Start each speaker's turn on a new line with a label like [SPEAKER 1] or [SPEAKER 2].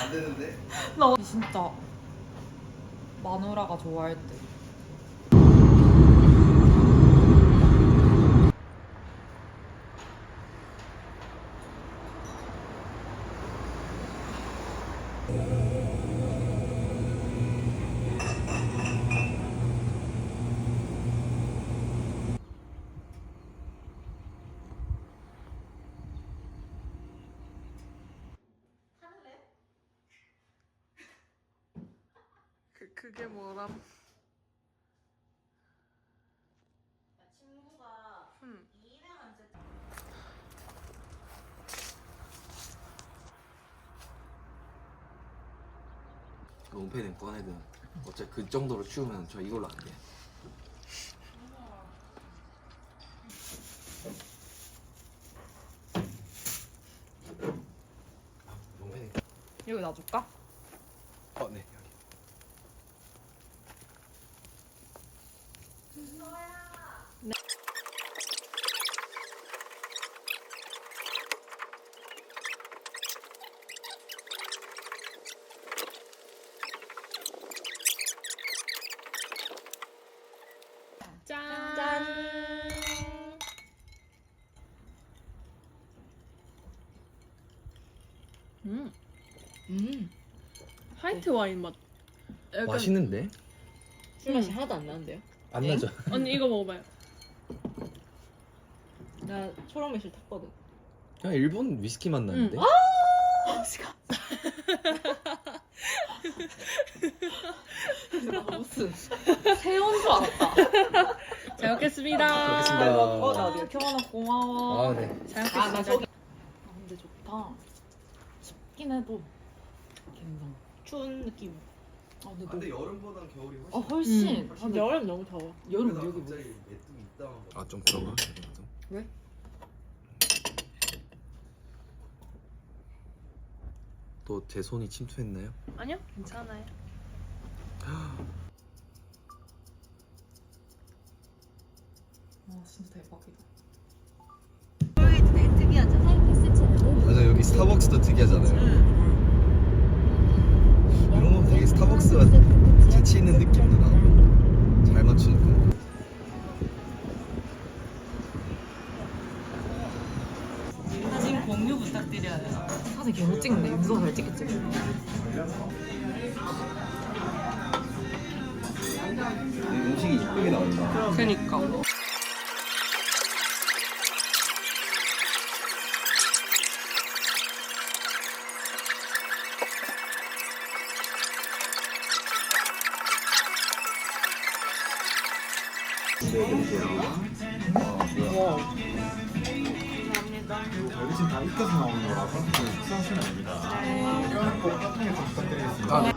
[SPEAKER 1] 안 되는데?
[SPEAKER 2] 나 진짜 마누라가 좋아할 때.
[SPEAKER 3] 그게 뭐람?
[SPEAKER 2] 친구가 일행한 세트.
[SPEAKER 1] 롱패딩 꺼내든 어차피 그 정도로 추우면 저 이걸로 안 돼. 롱패딩.
[SPEAKER 2] 여기 놔줄까?
[SPEAKER 1] 네.
[SPEAKER 3] 짠.
[SPEAKER 2] 짠.
[SPEAKER 3] 화이트 와인 맛. 약간
[SPEAKER 1] 맛있는데?
[SPEAKER 4] 술 맛이 하나도 안 나는데요?
[SPEAKER 1] 안
[SPEAKER 2] 네?
[SPEAKER 1] 나죠?
[SPEAKER 3] 언니 이거 먹어봐요.
[SPEAKER 4] 나 초록 매실 탔거든.
[SPEAKER 1] 그냥 일본 위스키 맛 나는데?
[SPEAKER 2] 나 무슨 새온 줄 알았다.
[SPEAKER 3] 잘 먹겠습니다.
[SPEAKER 1] 먹겠습니다.
[SPEAKER 2] 나 경원아 고마워.
[SPEAKER 1] 네.
[SPEAKER 3] 잘
[SPEAKER 4] 아, 나
[SPEAKER 3] 먹겠습니다.
[SPEAKER 4] 저기
[SPEAKER 2] 근데 좋다. 춥긴 해도 괜찮아.
[SPEAKER 4] 추운 느낌.
[SPEAKER 2] 근데
[SPEAKER 1] 근데 여름보단 겨울이 훨씬.
[SPEAKER 2] 훨씬.
[SPEAKER 4] 근데 여름 너무 더워.
[SPEAKER 2] 여름 여기 뭐?
[SPEAKER 1] 메뚜기 있다. 좀 그런가?
[SPEAKER 4] 왜?
[SPEAKER 1] 또 제 손이 침투했나요?
[SPEAKER 3] 아니요, 괜찮아요.
[SPEAKER 2] 진짜 대박이다.
[SPEAKER 4] 되게 특이하잖아.
[SPEAKER 1] 맞아, 여기 스타벅스도 특이하잖아요. 이런 거 되게 스타벅스가 재치 있는 느낌도 나고 잘 맞추니까.
[SPEAKER 2] 사진 공유 부탁드려요. 사진 계속 찍는데 윤서 잘 찍겠지?
[SPEAKER 1] 음식이 이쁘게 나온다.
[SPEAKER 2] 그니까.
[SPEAKER 5] 여기 다 익혀서 나오는 거라서 숙성하시면 됩니다. 이건 꼭 파통에 좀 부탁드리겠습니다.